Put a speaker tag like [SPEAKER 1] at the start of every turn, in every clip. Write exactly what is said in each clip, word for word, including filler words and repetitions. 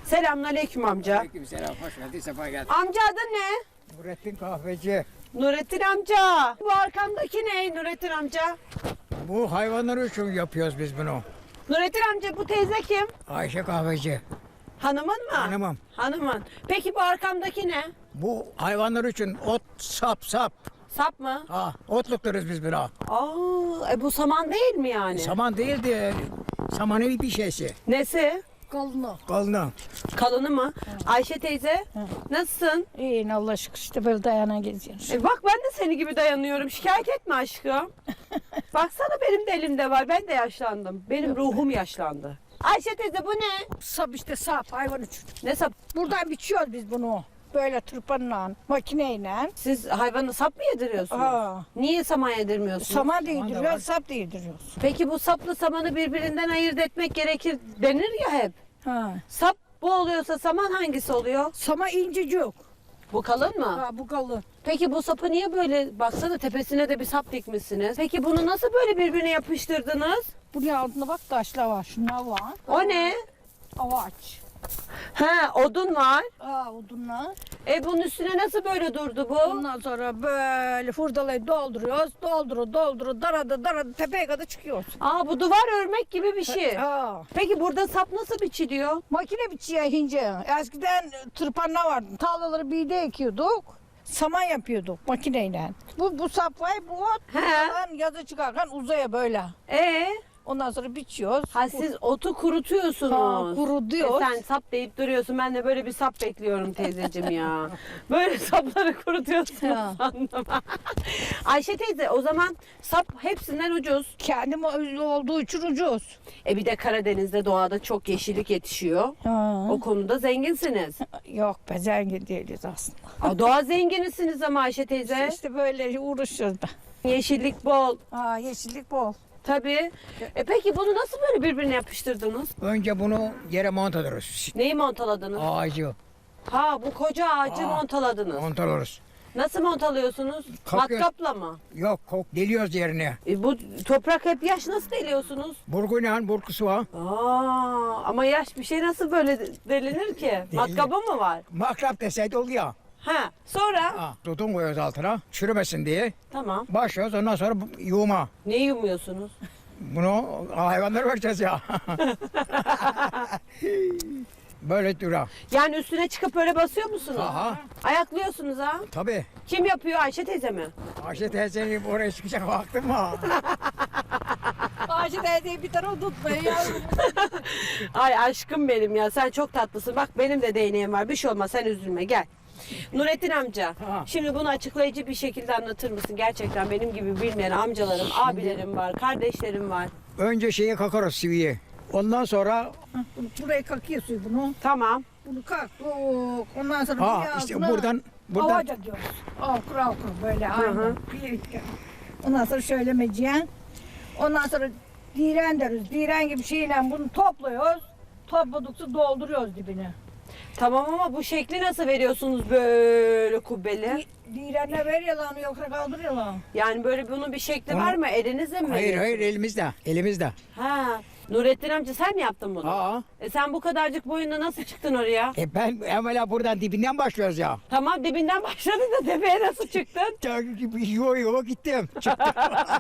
[SPEAKER 1] Selamünaleyküm amca.
[SPEAKER 2] Aleykümselam, hoş geldin, sefa geldin.
[SPEAKER 1] Amca adın ne?
[SPEAKER 2] Nurettin Kahveci.
[SPEAKER 1] Nurettin amca. Bu arkamdaki ne Nurettin amca?
[SPEAKER 2] Bu hayvanlar için yapıyoruz biz bunu.
[SPEAKER 1] Nurettin amca bu teyze kim?
[SPEAKER 2] Ayşe Kahveci.
[SPEAKER 1] Hanımın mı?
[SPEAKER 2] Hanımım.
[SPEAKER 1] Hanımın. Peki bu arkamdaki ne?
[SPEAKER 2] Bu hayvanlar için ot, sap, sap.
[SPEAKER 1] Sap mı?
[SPEAKER 2] Ha, otlukturuz biz buna.
[SPEAKER 1] Aa, e bu saman değil mi yani?
[SPEAKER 2] Saman değil de samanı bir şeysi.
[SPEAKER 1] Nesi?
[SPEAKER 3] Kalın.
[SPEAKER 2] Kalını.
[SPEAKER 1] Kalını mı? Ayşe teyze nasılsın?
[SPEAKER 3] İyi Allah şükür işte böyle dayana geziyoruz.
[SPEAKER 1] E bak ben de seni gibi dayanıyorum. Şikayet etme aşkım. Baksana benim de elimde var. Ben de yaşlandım. Benim ruhum yaşlandı. Ayşe teyze bu ne?
[SPEAKER 3] Sap işte sap hayvan için.
[SPEAKER 1] Ne sap?
[SPEAKER 3] Buradan biçiyoruz biz bunu. Böyle tırpanla, makineyle.
[SPEAKER 1] Siz hayvanı sap mı yediriyorsunuz?
[SPEAKER 3] Aa.
[SPEAKER 1] Niye saman yedirmiyorsunuz?
[SPEAKER 3] Saman
[SPEAKER 2] da var.
[SPEAKER 3] değdiriyoruz, sap değdiriyoruz.
[SPEAKER 1] Peki bu saplı samanı birbirinden ayırt etmek gerekir denir ya hep.
[SPEAKER 3] Ha.
[SPEAKER 1] Sap bu oluyorsa saman hangisi oluyor?
[SPEAKER 3] Sama incecik.
[SPEAKER 1] Bu kalın mı?
[SPEAKER 3] Ha bu kalın.
[SPEAKER 1] Peki bu sapı niye böyle baksana tepesine de bir sap dikmişsiniz. Peki bunu nasıl böyle birbirine yapıştırdınız?
[SPEAKER 3] Bunun altında bak taşlar var. Şunlar var.
[SPEAKER 1] O ne?
[SPEAKER 3] Avaç.
[SPEAKER 1] He odun var.
[SPEAKER 3] Aa odunlar.
[SPEAKER 1] E bunun üstüne nasıl böyle durdu bu?
[SPEAKER 3] Ondan sonra böyle hurdalayı dolduruyoruz. Dolduru dolduru daradı daradı tepeye kadar çıkıyoruz.
[SPEAKER 1] Aa bu duvar örmek gibi bir şey.
[SPEAKER 3] Aa.
[SPEAKER 1] Peki burada sap nasıl biçiliyor?
[SPEAKER 3] Makine biçiyor hince. Eskiden tırpanlar vardı. Tarlaları bir de ekiyorduk. Saman yapıyorduk makineyle. Bu bu sap var, bu ot.
[SPEAKER 1] He.
[SPEAKER 3] Buradan yazı çıkarken uzaya böyle.
[SPEAKER 1] E
[SPEAKER 3] Ondan sonra biçiyoruz.
[SPEAKER 1] ha siz otu kurutuyorsunuz.
[SPEAKER 3] Ha, kurutuyoruz.
[SPEAKER 1] E sen sap deyip duruyorsun. Ben de böyle bir sap bekliyorum teyzeciğim ya. Böyle sapları kurutuyorsunuz
[SPEAKER 3] Ha.
[SPEAKER 1] sandım. Ayşe teyze o zaman sap hepsinden ucuz.
[SPEAKER 3] Kendim olduğu için ucuz.
[SPEAKER 1] E bir de Karadeniz'de doğada çok yeşillik yetişiyor.
[SPEAKER 3] Ha.
[SPEAKER 1] O konuda zenginsiniz.
[SPEAKER 3] Yok be zengin değiliz aslında.
[SPEAKER 1] Aa, doğa zenginisiniz ama Ayşe teyze.
[SPEAKER 3] İşte böyle uğraşıyoruz be.
[SPEAKER 1] Yeşillik bol.
[SPEAKER 3] Aa, yeşillik bol.
[SPEAKER 1] Tabii. E peki bunu nasıl böyle birbirine yapıştırdınız?
[SPEAKER 2] Önce bunu yere montalıyoruz.
[SPEAKER 1] Neyi montaladınız?
[SPEAKER 2] Ağacı
[SPEAKER 1] Ha bu koca ağacı
[SPEAKER 2] Aa.
[SPEAKER 1] montaladınız.
[SPEAKER 2] montalıyoruz.
[SPEAKER 1] Nasıl montalıyorsunuz?
[SPEAKER 2] Kalkıyor.
[SPEAKER 1] Matkapla mı?
[SPEAKER 2] Yok, kok deliyoruz yerine.
[SPEAKER 1] E bu toprak hep yaş nasıl deliyorsunuz?
[SPEAKER 2] Burguyla burkusu var.
[SPEAKER 1] Aa, ama yaş bir şey nasıl böyle delinir ki? Matkabı mı var?
[SPEAKER 2] Makrap deseydi oluyor.
[SPEAKER 1] Ha, sonra?
[SPEAKER 2] Ha, tutun koyuyoruz altına, çürümesin diye.
[SPEAKER 1] Tamam.
[SPEAKER 2] Başlıyoruz, ondan sonra bu- yuğuma.
[SPEAKER 1] Ne yumuyorsunuz?
[SPEAKER 2] Bunu hayvanlara vereceğiz ya. Böyle dura.
[SPEAKER 1] Yani üstüne çıkıp öyle basıyor musunuz?
[SPEAKER 2] Aha,
[SPEAKER 1] Ayaklıyorsunuz ha?
[SPEAKER 2] tabii.
[SPEAKER 1] Kim yapıyor? Ayşe teyze mi?
[SPEAKER 2] Ayşe teyzenin oraya çıkacak vaktim var.
[SPEAKER 3] Ağacı teyzeyi bir tarafa tutmayın yavrum.
[SPEAKER 1] Ay aşkım benim ya sen çok tatlısın. Bak benim de değneğim var. Bir şey olmaz sen üzülme gel. Nurettin amca,
[SPEAKER 2] Ha.
[SPEAKER 1] şimdi bunu açıklayıcı bir şekilde anlatır mısın? Gerçekten benim gibi bilmeyen amcalarım, abilerim var, kardeşlerim var.
[SPEAKER 2] Önce şeyi kakarız siviyi. Ondan sonra
[SPEAKER 3] Buraya kakıyor suyu bunu.
[SPEAKER 1] Tamam.
[SPEAKER 3] Bunu kalk. Ondan sonra
[SPEAKER 2] ha
[SPEAKER 3] bir
[SPEAKER 2] işte
[SPEAKER 3] ağzına
[SPEAKER 2] buradan buradan
[SPEAKER 3] Avaca diyoruz. Okur okur böyle
[SPEAKER 1] hı.
[SPEAKER 3] aynen. Bir- Ondan sonra şöyle meciyen. Ondan sonra diren deriz. Diren gibi şeyle bunu topluyoruz. Topladıkça dolduruyoruz dibine.
[SPEAKER 1] Tamam ama bu şekli nasıl veriyorsunuz böyle kubbeli?
[SPEAKER 3] Di- Direnle veriyorlar onu yoksa kaldırıyorlar.
[SPEAKER 1] Yani böyle bunun bir şekli
[SPEAKER 2] Onu-
[SPEAKER 1] var mı? Elinizle mi?
[SPEAKER 2] hayır hayır
[SPEAKER 1] veriyorsunuz?
[SPEAKER 2] elimizde. Elimizde.
[SPEAKER 1] Ha. Nurettin amca sen mi yaptın bunu?
[SPEAKER 2] Aa.
[SPEAKER 1] E sen bu kadarcık boyunda nasıl çıktın oraya?
[SPEAKER 2] E ben evvela buradan dibinden başlıyoruz ya.
[SPEAKER 1] Tamam dibinden başladın da tepeye nasıl çıktın?
[SPEAKER 2] Yo yo gittim. Çıktım.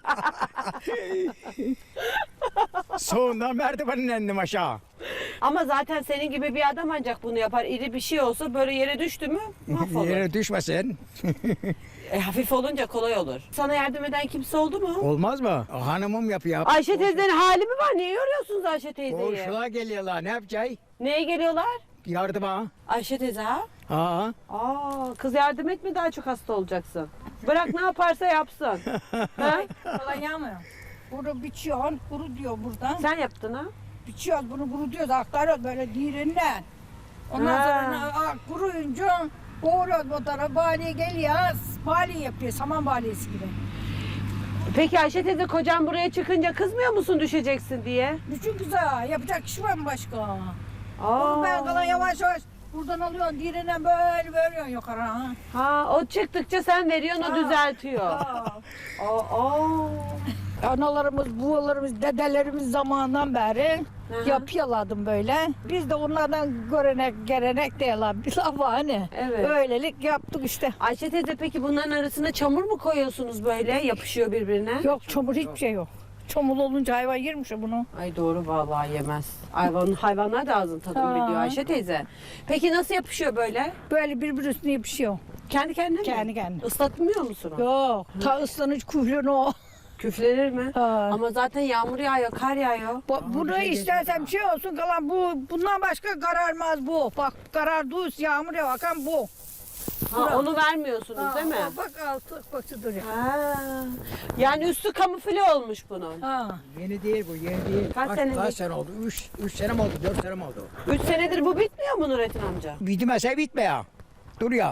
[SPEAKER 2] Sonundan merdivenin indim aşağı.
[SPEAKER 1] Ama zaten senin gibi bir adam ancak bunu yapar. İri bir şey olsa böyle yere düştü mü mahvolur.
[SPEAKER 2] Yere düşmesin.
[SPEAKER 1] E, hafif olunca kolay olur. Sana yardım eden kimse oldu mu?
[SPEAKER 2] Olmaz mı? Hanımım yapıyor.
[SPEAKER 1] Ayşe teyzenin hali mi var? Niye yoruyorsunuz Ayşe teyzeyi?
[SPEAKER 2] Komşular geliyorlar. Ne yapacağız?
[SPEAKER 1] Neye geliyorlar?
[SPEAKER 2] Yardıma.
[SPEAKER 1] Ayşe teyze ha?
[SPEAKER 2] Ha.
[SPEAKER 1] Aa, kız yardım etme daha çok hasta olacaksın. Bırak ne yaparsa yapsın. ha?
[SPEAKER 3] Falan yağmıyor. Bunu biçiyorsun, kuru diyor buradan.
[SPEAKER 1] Sen yaptın ha?
[SPEAKER 3] Biçiyoruz bunu kuru diyoruz, aktarıyoruz böyle direnle. Ondan
[SPEAKER 1] Ha.
[SPEAKER 3] sonra aa, kuruyunca boğuruyoruz bu tarafa, baliye geliyor, baliye yapıyor, saman baliyesi gibi.
[SPEAKER 1] Peki Ayşe teyze kocan buraya çıkınca kızmıyor musun düşeceksin diye?
[SPEAKER 3] Bütün güzel, yapacak kişi var mı başka?
[SPEAKER 1] Aa.
[SPEAKER 3] Onu ben kalan yavaş yavaş buradan alıyorsun, direnen böyle veriyorsun yukarı. Ha.
[SPEAKER 1] Ha, o çıktıkça sen veriyorsun o
[SPEAKER 3] Ha.
[SPEAKER 1] düzeltiyor.
[SPEAKER 3] Aa.
[SPEAKER 1] Aa, aa.
[SPEAKER 3] Analarımız, buğalarımız, dedelerimiz zamanından beri
[SPEAKER 1] Aha.
[SPEAKER 3] yapıyorlardım böyle. Biz de onlardan görenek, gelenek diyorlar. Bir laf var hani.
[SPEAKER 1] Evet.
[SPEAKER 3] Öylelik yaptık işte.
[SPEAKER 1] Ayşe teyze peki bunların arasına çamur mu koyuyorsunuz böyle? Yapışıyor birbirine.
[SPEAKER 3] Yok çamur hiçbir şey yok. Çamur olunca hayvan yermiş ya bunu.
[SPEAKER 1] Ay doğru vallahi yemez. Hayvan, hayvanlar da ağzın tadını
[SPEAKER 3] Ha.
[SPEAKER 1] biliyor Ayşe teyze. Peki nasıl yapışıyor böyle?
[SPEAKER 3] Böyle birbiri üstüne yapışıyor.
[SPEAKER 1] Kendi kendine mi?
[SPEAKER 3] Kendi kendine.
[SPEAKER 1] Islatmıyor musun? o?
[SPEAKER 3] Yok. Ta ıslanıcı kuhlunu o.
[SPEAKER 1] Küflenir mi?
[SPEAKER 3] Ha.
[SPEAKER 1] Ama zaten yağmur yağıyor, kar yağıyor.
[SPEAKER 3] Bu, bunu istersen bir şey olsun kalan bu. Bundan başka kararmaz bu. Bak karar düz yağmur yağarken bu.
[SPEAKER 1] Ha, onu vermiyorsunuz
[SPEAKER 3] Ha,
[SPEAKER 1] değil mi?
[SPEAKER 3] o Bak altı bak duruyor.
[SPEAKER 1] Ha. Yani üstü kamufle olmuş bunun.
[SPEAKER 3] Ha.
[SPEAKER 2] Yeni değil bu, yeni değil.
[SPEAKER 1] Kaç senelik?
[SPEAKER 2] Kaç sene oldu? Üç, üç sene mi oldu, dört sene mi oldu?
[SPEAKER 1] Üç senedir bu bitmiyor mu Nurettin amca?
[SPEAKER 2] Bitmese bitme ya. Dur ya.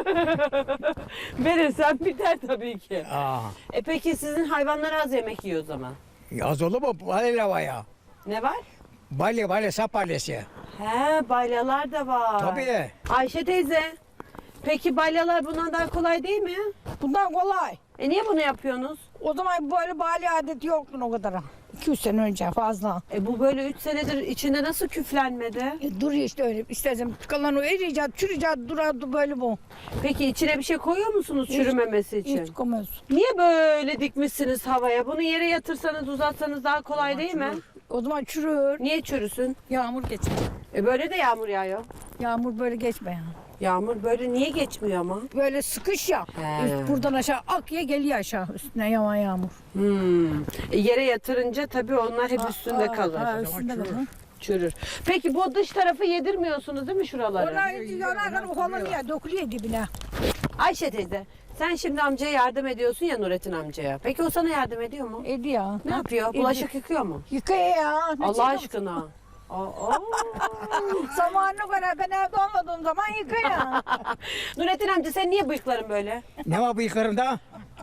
[SPEAKER 1] Verirsen biter tabii ki.
[SPEAKER 2] Aa,
[SPEAKER 1] E peki sizin hayvanlar az yemek yiyor o zaman.
[SPEAKER 2] az olur mu? Balya var ya.
[SPEAKER 1] Ne var?
[SPEAKER 2] Balya, balya, sap balyası.
[SPEAKER 1] He balyalar da var.
[SPEAKER 2] Tabii.
[SPEAKER 1] Ayşe teyze. Peki balyalar bundan daha kolay değil mi?
[SPEAKER 3] Bundan kolay.
[SPEAKER 1] E niye bunu yapıyorsunuz?
[SPEAKER 3] O zaman böyle bali adeti yoktu o kadar. iki yüz sene önce fazla.
[SPEAKER 1] E bu böyle üç senedir içinde nasıl küflenmedi?
[SPEAKER 3] E, duruyor işte öyle. İstersen kalan o eriyecek, çürüyecek, durardı böyle bu.
[SPEAKER 1] Peki içine bir şey koyuyor musunuz
[SPEAKER 3] Hiç-
[SPEAKER 1] çürümemesi için?
[SPEAKER 3] Hiç koymuyorsun.
[SPEAKER 1] Niye böyle dikmişsiniz havaya? Bunu yere yatırsanız uzatsanız daha kolay değil mi?
[SPEAKER 3] O zaman çürür.
[SPEAKER 1] Niye çürüsün?
[SPEAKER 3] Yağmur geçer.
[SPEAKER 1] E böyle de yağmur yağıyor.
[SPEAKER 3] Yağmur böyle geçme ya.
[SPEAKER 1] Yağmur böyle niye geçmiyor ama?
[SPEAKER 3] Böyle sıkış ya.
[SPEAKER 1] He.
[SPEAKER 3] Üst buradan aşağı akıya geliyor aşağı üstüne yavan yağmur.
[SPEAKER 1] Hmm. E yere yatırınca tabii onlar hep üstünde
[SPEAKER 3] Aa,
[SPEAKER 1] kalır.
[SPEAKER 3] Ha, üstünde
[SPEAKER 2] çürür.
[SPEAKER 3] kalır.
[SPEAKER 1] Çürür. Peki bu dış tarafı yedirmiyorsunuz değil mi şuraları?
[SPEAKER 3] Onlar yanarken ufalanıyor, dökülüyor dibine.
[SPEAKER 1] Ayşe teyze sen şimdi amcaya yardım ediyorsun ya Nurettin amcaya. Peki o sana yardım ediyor mu?
[SPEAKER 3] Ediyor.
[SPEAKER 1] Ne yapıyor? Bulaşık yıkıyor mu?
[SPEAKER 3] Yıkıyor ya. Ne
[SPEAKER 1] Allah
[SPEAKER 3] çekiyor?
[SPEAKER 1] aşkına. Aa.
[SPEAKER 3] Zamanına göre ben evde olmadığım zaman yıkıyor.
[SPEAKER 1] Nurettin amca sen niye bıyıkların böyle?
[SPEAKER 2] Ne var bıyıklarımda?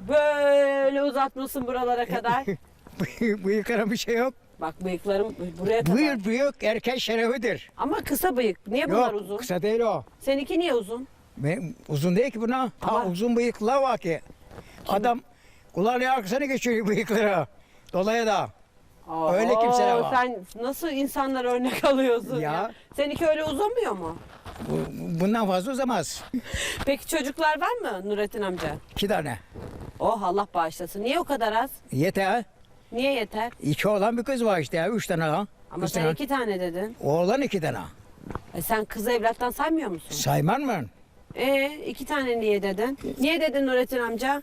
[SPEAKER 1] Böyle uzatmışsın buralara kadar.
[SPEAKER 2] Bıyıklarım bir şey yok.
[SPEAKER 1] Bak bıyıklarım buraya kadar.
[SPEAKER 2] Bıyık büyük erkek şerefidir.
[SPEAKER 1] Ama kısa bıyık. Niye bunlar
[SPEAKER 2] Yok,
[SPEAKER 1] uzun?
[SPEAKER 2] kısa değil o.
[SPEAKER 1] Seninki niye uzun?
[SPEAKER 2] Ben, uzun değil ki buna.
[SPEAKER 1] Ama-
[SPEAKER 2] Ha, uzun bıyıklar var ki. Adam kulağının arkasına geçiyor bıyıkları. Dolayı da. Öyle kimseler var.
[SPEAKER 1] Sen nasıl insanlar örnek alıyorsun ya?
[SPEAKER 2] Ya.
[SPEAKER 1] Seninki öyle uzamıyor mu?
[SPEAKER 2] Bu, bundan fazla uzamaz.
[SPEAKER 1] Peki çocuklar var mı Nurettin amca?
[SPEAKER 2] İki tane.
[SPEAKER 1] Oh Allah bağışlasın. Niye o kadar az?
[SPEAKER 2] Yeter.
[SPEAKER 1] Niye yeter?
[SPEAKER 2] İki oğlan bir kız var işte ya. Üç tane ha.
[SPEAKER 1] Ama
[SPEAKER 2] Kız
[SPEAKER 1] sen
[SPEAKER 2] tane.
[SPEAKER 1] iki tane dedin.
[SPEAKER 2] Oğlan iki tane.
[SPEAKER 1] E sen kızı evlattan saymıyor musun?
[SPEAKER 2] Sayman mı?
[SPEAKER 1] E iki tane niye dedin? Niye dedin Nurettin amca?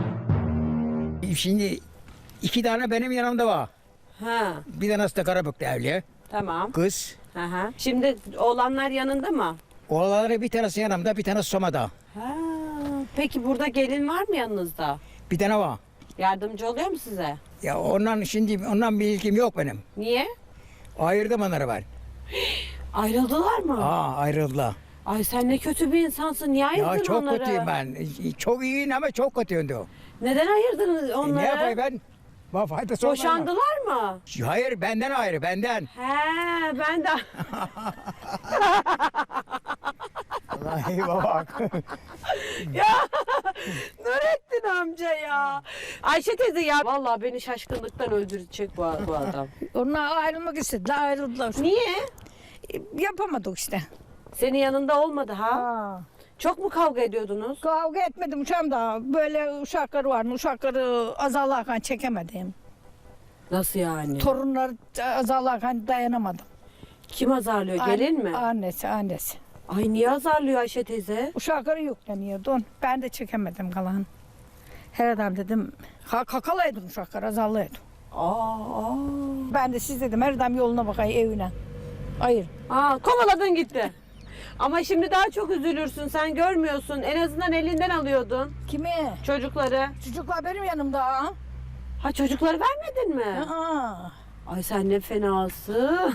[SPEAKER 2] Şimdi iki tane benim yanımda var.
[SPEAKER 1] Ha
[SPEAKER 2] Bir tanesi de Karabük'te evli.
[SPEAKER 1] tamam.
[SPEAKER 2] Kız.
[SPEAKER 1] Aha. Şimdi oğlanlar yanında mı?
[SPEAKER 2] Oğlanları bir tanesi yanımda, bir tanesi Soma'da.
[SPEAKER 1] Ha. Peki burada gelin var mı yanınızda?
[SPEAKER 2] Bir tane var.
[SPEAKER 1] Yardımcı oluyor mu size?
[SPEAKER 2] Ya ondan şimdi ondan bir ilgim yok benim.
[SPEAKER 1] Niye?
[SPEAKER 2] Ayırdım onları ben.
[SPEAKER 1] Ayrıldılar mı?
[SPEAKER 2] Aa ayrıldılar.
[SPEAKER 1] Ay sen ne kötü bir insansın. Niye ayırdın
[SPEAKER 2] Ya çok
[SPEAKER 1] onları?
[SPEAKER 2] kötüyüm ben. Çok iyiyim ama çok kötüyüm diyor.
[SPEAKER 1] Neden ayırdınız
[SPEAKER 2] E,
[SPEAKER 1] onları?
[SPEAKER 2] ne yapayım ben? Bana faydası olmaz mı?
[SPEAKER 1] Boşandılar mı?
[SPEAKER 2] Hayır benden ayrı benden.
[SPEAKER 1] He ben de...
[SPEAKER 2] Vallahi baba.
[SPEAKER 1] ya Nurettin amca ya. Ayşe teyze ya. Vallahi beni şaşkınlıktan öldürecek bu, bu adam.
[SPEAKER 3] Onlar ayrılmak istediler, ayrıldılar.
[SPEAKER 1] Niye?
[SPEAKER 3] E, Yapamadık işte.
[SPEAKER 1] Senin yanında olmadı ha?
[SPEAKER 3] Ha.
[SPEAKER 1] Çok mu kavga ediyordunuz?
[SPEAKER 3] Kavga etmedim uşağım da böyle uşakları var. Uşakları azarlarken çekemedim.
[SPEAKER 1] Nasıl yani?
[SPEAKER 3] Torunlar azarlarken dayanamadım.
[SPEAKER 1] Kim azarlıyor? Gelin mi?
[SPEAKER 3] Annesi, annesi.
[SPEAKER 1] Ay niye azarlıyor Ayşe teyze?
[SPEAKER 3] Uşakları yükleniyordu. Ben de çekemedim kalan. Her adam dedim, ha, kakalaydım uşakları, azarlaydım.
[SPEAKER 1] Aa, aa.
[SPEAKER 3] Ben de siz dedim, her adam yoluna bakayım evine. Hayır.
[SPEAKER 1] Aa, kovaladın gitti. Ama şimdi daha çok üzülürsün. Sen görmüyorsun. En azından elinden alıyordun
[SPEAKER 3] Kimi?
[SPEAKER 1] çocukları.
[SPEAKER 3] Çocuklar benim yanımda. Ha?
[SPEAKER 1] Ha çocukları vermedin mi?
[SPEAKER 3] Aa.
[SPEAKER 1] Ay sen ne fenası.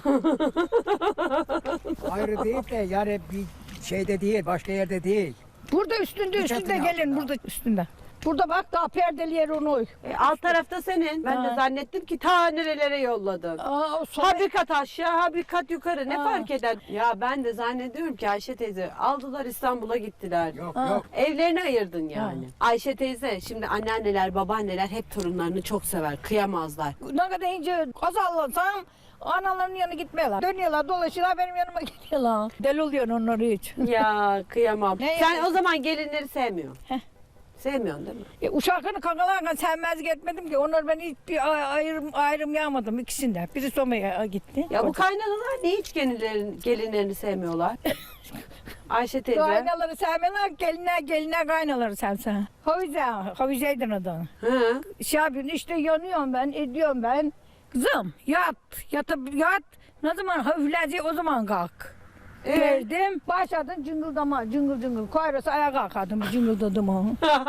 [SPEAKER 2] Ayrı değil de yani bir şeyde değil, başka yerde değil.
[SPEAKER 3] Burada üstünde,
[SPEAKER 2] Bir
[SPEAKER 3] üstünde
[SPEAKER 2] çatının
[SPEAKER 3] gelin,
[SPEAKER 2] altında.
[SPEAKER 3] burada üstünde. Burada bak daha perdeli yer onu.
[SPEAKER 1] E, alt tarafta senin. Ben de
[SPEAKER 3] Ha.
[SPEAKER 1] zannettim ki ta nerelere yolladın.
[SPEAKER 3] Aa, o soba-
[SPEAKER 1] Ha bir kat aşağı, ha bir kat yukarı. Ne
[SPEAKER 3] Ha.
[SPEAKER 1] fark eder? Ya ben de zannediyorum ki Ayşe teyze aldılar İstanbul'a gittiler.
[SPEAKER 2] Yok
[SPEAKER 3] Ha.
[SPEAKER 2] yok.
[SPEAKER 1] Evlerini ayırdın yani. Ayşe teyze şimdi anneanneler, babaanneler hep torunlarını çok sever. Kıyamazlar.
[SPEAKER 3] Ne kadar ince azallasam analarının yanına gitmiyorlar. Dönüyorlar, dolaşıyorlar, benim yanıma geliyorlar. Deli oluyor onları hiç.
[SPEAKER 1] Ya kıyamam.
[SPEAKER 3] Ne
[SPEAKER 1] Sen
[SPEAKER 3] yapıyorsun?
[SPEAKER 1] o zaman gelinleri sevmiyorsun.
[SPEAKER 3] Heh.
[SPEAKER 1] Sevmiyorsun değil mi?
[SPEAKER 3] E, uşaklarını kakalarken sevmezlik etmedim ki. Onlar ben hiçbir ay- ayrım, ayrım yağmadım ikisinde. Biri Soma'ya gitti.
[SPEAKER 1] Ya bu kaynanalar niye hiç gelinlerin, gelinlerini sevmiyorlar? Ayşe teyze.
[SPEAKER 3] Kaynaları sevmiyorlar, gelinler, gelinler kaynaları sevse. Havize, Havize'ydin adı.
[SPEAKER 1] Hı.
[SPEAKER 3] Şey yapıyorsun işte yanıyorum ben, ediyorum ben. Kızım yat, yatıp yat. Ne zaman hafifleyecek o zaman kalk.
[SPEAKER 1] Ee?
[SPEAKER 3] Verdim, başladın cıngıldama, cıngıl cıngıl. Koyrası ayağa kalkardım, cıngıldadım onu.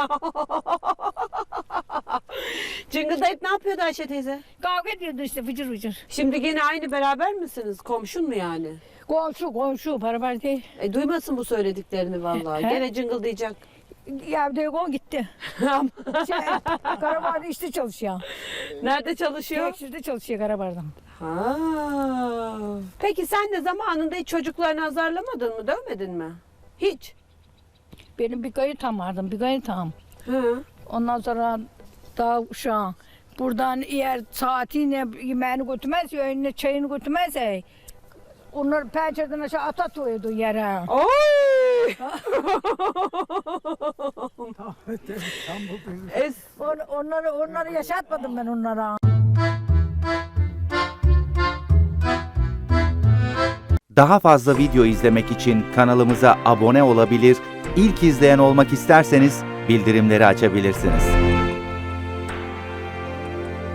[SPEAKER 1] Cıngıldayıp ne yapıyordu Ayşe teyze?
[SPEAKER 3] Kavga ediyordu işte fıcır fıcır.
[SPEAKER 1] Şimdi gene aynı beraber misiniz? Komşun mu yani?
[SPEAKER 3] Komşu, komşu, beraber değil.
[SPEAKER 1] E duymasın bu söylediklerini vallahi.
[SPEAKER 3] He?
[SPEAKER 1] Gene cıngıldayacak.
[SPEAKER 3] Ya bir o gitti. Şey, Karabar'da işte çalışıyor.
[SPEAKER 1] Nerede çalışıyor?
[SPEAKER 3] Tekstilde çalışıyor Karabar'da.
[SPEAKER 1] Ha. Peki sen de zamanında hiç çocuklarını azarlamadın mı? Dövmedin mi? Hiç.
[SPEAKER 3] Benim bir kayıtam vardı, bir kayıtam.
[SPEAKER 1] Hı.
[SPEAKER 3] Ondan sonra daha şu an buradan eğer saatiyle yemeğini götürmezse, önüne çayını götürmezse onları pencereden aşağı atatıyordu yere.
[SPEAKER 1] Oy! es
[SPEAKER 3] On, onları, onları yaşatmadım ben onlara.
[SPEAKER 4] Daha fazla video izlemek için kanalımıza abone olabilir, ilk izleyen olmak isterseniz bildirimleri açabilirsiniz.